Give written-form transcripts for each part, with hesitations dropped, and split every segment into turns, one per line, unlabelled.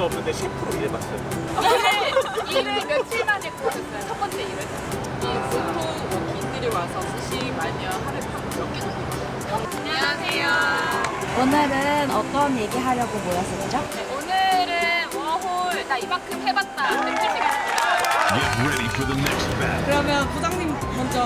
적도 없는데 셰프로 일해봤어요.
일을 며칠 만에 구하셨어요? 첫 번째 일을?
보통 워킹들이 와서 스시 마녀 하루에 몇개 정도?
안녕하세요.
오늘은 어떤 얘기 하려고 모였었죠?
오늘은 워홀 나 이만큼 해봤다 lecture 시간입니다.
Get ready for the next battle.
그러면 부장님 먼저.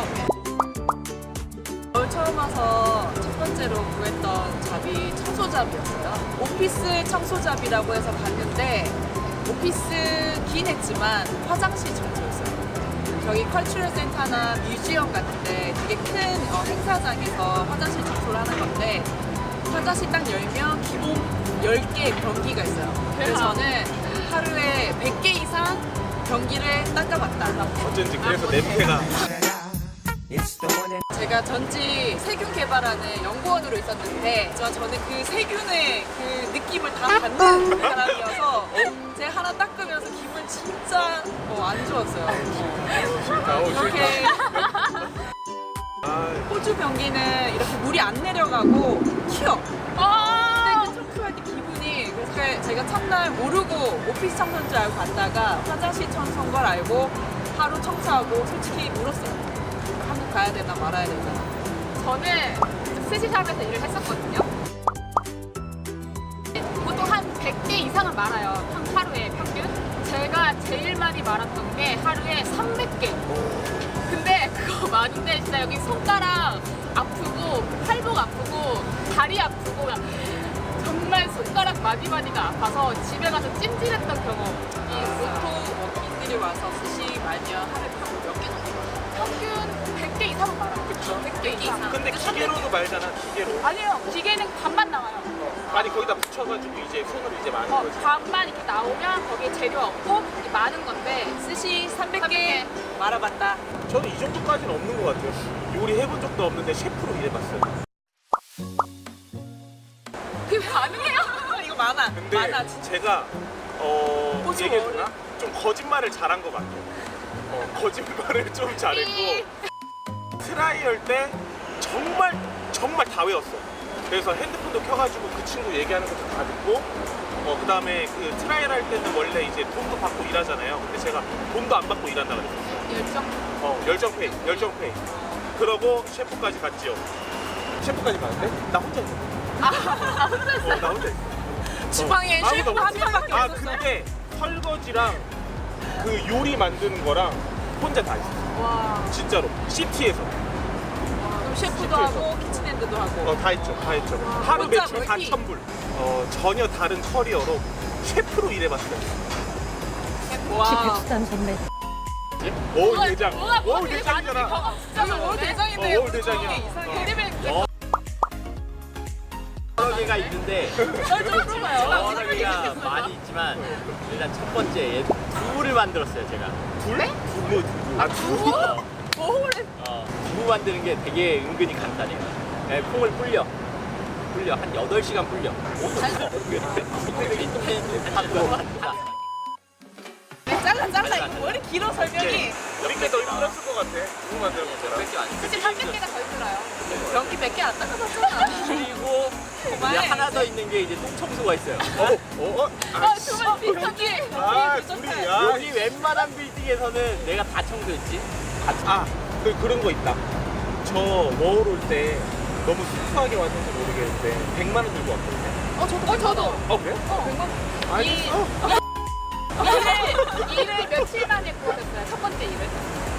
처음 와서 첫 번째로 구했던 잡이 청소잡이였어요. 오피스 청소잡이라고 해서 갔는데 오피스긴 했지만 화장실 청소였어요. 저기 컬처럴 센터나 뮤지엄 같은데 되게 큰 행사장에서 화장실 청소를 하는 건데 화장실 딱 열면 기본 10개의 변기가 있어요. 그래서 저는 하루에 100개 이상 변기를 닦아봤다.
어쩐지 그래서 냄새가.
제가 전직 세균 개발하는 연구원으로 있었는데 저는 그 세균의 그 느낌을 다 받는 사람이어서 제가 하나 닦으면서 기분 진짜 안 좋았어요.
싫다.
이렇게
아,
호주 변기는 이렇게 물이 안 내려가고 튀어. 근데 그 청소할 때 기분이 그래서 제가 첫날 모르고 오피스 청소인 줄 알고 갔다가 화장실 청소인 걸 알고 하루 청소하고 솔직히 울었어요. 한국 가야 되나 말아야 되나.
저는 스시샵에서 일을 했었거든요. 보통 한 100개 이상은 말아요. 하루에 평균. 제가 제일 많이 말았던 게 하루에 300개. 근데 그거 많은데 진짜 여기 손가락 아프고 팔목 아프고 다리 아프고 정말 손가락 마디마디가 아파서 집에 가서 찜질했던 경험.
보통 워킹들이 와서 스시 마녀 하루에 몇개 정도?
평균 100개 이상은 말아요.
그쵸.
100개 이상.
근데 기계로도 말잖아, 기계로.
아니에요. 기계는 반만 나와요.
아니, 거기다 붙여가지고 이제 손으로 이제 많은 거지.
반만 이렇게 나오면 거기에 재료 없고 이게 많은 건데
스시 300개 말아봤다.
저는 이 정도까지는 없는 것 같아요. 요리 해본 적도 없는데 셰프로 일해봤어요.
그게 가능해요?
이거 많아.
근데
많아 진짜.
제가
호주
얘기해주나? 좀 거짓말을 잘한 것 같아요. 거짓말을 좀 잘했고 트라이 할 때 정말 다 외웠어. 그래서 핸드폰도 켜가지고 그 친구 얘기하는 것도 다 듣고 그 다음에 그 트라이를 할 때는 원래 이제 돈도 받고 일하잖아요. 근데 제가 돈도 안 받고 일한다 그랬었어요.
열정.
열정페이. 그러고 셰프까지 갔지요. 셰프까지 갔는데 나 혼자 있어.
혼자 했어요?
나 혼자 있어.
주방에
아무도
셰프 한 명밖에
아,
없었어요.
근데 설거지랑 그 요리 만드는 거랑 혼자 다 했어.
와.
진짜로. 시티에서.
그럼 셰프도
시트에서.
하고 키친핸드도 하고.
다 했죠. 하루
혼자
매출
멀티.
4,000불. 전혀 다른 커리어로 셰프로 일해봤어요.
와.
비슷한 선배.
워홀 대장.
뭐가
워홀
되게 많이
대장이잖아.
여기 월 대장인데
월 대장이야.
이상해.
그림을
여러 개가 있는데
썰좀 풀어봐요.
여러 개가 많이 있지만 일단 첫 번째 두부를 만들었어요 제가.
둘?
네?
두부.
아, 두부?
워홀에
두부 만드는 게 되게 은근히 간단해요. 콩을 불려 한 8시간 불려.
잘라 이거 머리 길어 설명이.
우리께 더 힘들었을 것 같아. 두부 만드는 것처럼.
사실 300개가 더 힘들어요.
변기 100개 안 닦아봤잖아.
그리고 이제
그만해.
하나 더 있는 게 이제 똥청소가 있어요.
정말 비슷하게.
아, 둘이, 야.
여기 웬만한 빌딩에서는 내가 다 청소했지.
그런 거 있다. 저 워홀 올 때 너무 수수하게 왔는지 모르겠는데 100만 원 들고 왔거든요.
저도.
그래?
100만.
알겠어.
일을 며칠 만에 구하셨어요? 첫 번째 일을?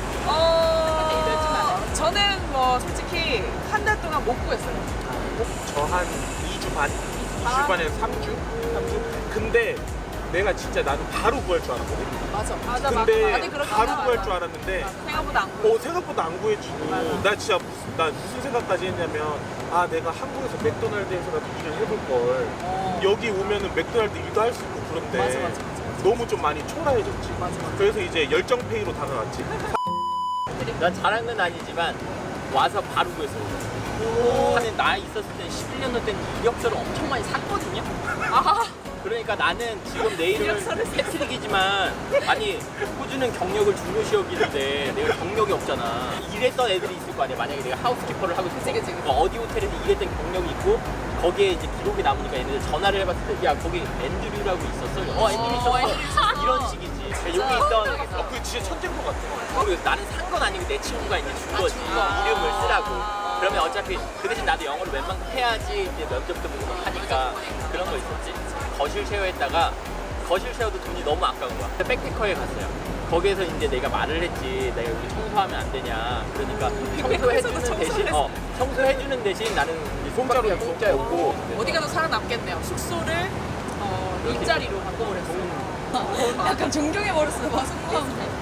저는 뭐 솔직히 한 달 동안 못 구했어요.
저 한 2주 반? 2주 반에서 3주? 근데 내가 진짜 나는 바로 구할 줄 알았거든.
맞아.
근데
다들 그렇게
바로
하나
구할
봐.
줄 알았는데
생각보다 안 구해.
생각보다 안 구해주고 나 진짜 무슨 생각까지 했냐면 내가 한국에서 맥도날드에서라도 일을 해볼 걸 여기 오면은 맥도날드 일도 할 수 있고 그런데
맞아.
너무 좀 많이 초라해졌지.
맞아.
그래서 이제 열정페이로 다가갔지.
난 잘한 건 아니지만 와서 바로 구했어요. 하면 나 있었을 때 11년 전 때는 이력서를 엄청 많이 샀거든요. 그러니까 나는 지금 내 이름은 패트릭이지만 아니 호주는 경력을 중요시 여기는데 내가 경력이 없잖아. 일했던 애들이 있을 거 아니야. 만약에 내가 하우스키퍼를 하고 있어.
그치.
어디 호텔에서 일했던 경력이 있고 거기에 이제 기록이 남으니까 얘네들 전화를 해봤을 때 야 거기 앤드류라고 있었어. 앤드류 있었어. 이런 식이지. 여기 있던
그 진짜 천재인 것 같아.
그리고 나는 산 건 아니고 내 친구가 이제 준 거지. 이름을 쓰라고. 그러면 어차피 그 대신 나도 영어를 웬만큼 해야지 이제 면접도 보고 하니까 그런 거 있었지. 거실 쉐어했다가 거실 쉐어도 돈이 너무 아까운 거야. 백패커에 갔어요. 거기에서 이제 내가 말을 했지. 내가 여기 청소하면 안 되냐. 그러니까 청소해주는 대신 청소해주는 대신 나는 공짜였고
어디 가도 살아남겠네요. 숙소를 일자리로 바꿔버렸어요. 약간 존경해버렸어요. 마승무함.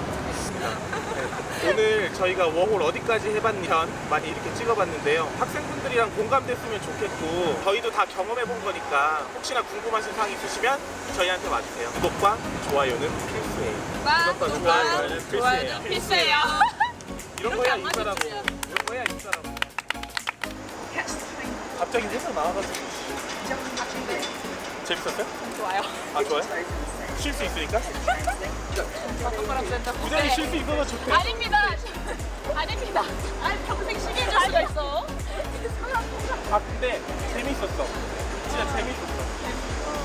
오늘 저희가 워홀 어디까지 해봤냐 많이 이렇게 찍어봤는데요. 학생분들이랑 공감됐으면 좋겠고 저희도 다 경험해본 거니까 혹시나 궁금하신 사항 있으시면 저희한테 와주세요. 구독과 좋아요는 필수예요.
좋아요는 필수예요.
필수예요.
이런 거야 인싸라고. 이런 거야 인싸라고. 갑자기 회사 나와가지고 재밌었어요?
좋아요.
아 좋아요? 쉴 수 있으니까?
바람 센터.
부장이 쉴 수 있어서 좋대.
아닙니다. 아닙니다. 아니 평생 쉬게 해줄 수가 있어.
아 근데 재밌었어. 진짜 재밌었어.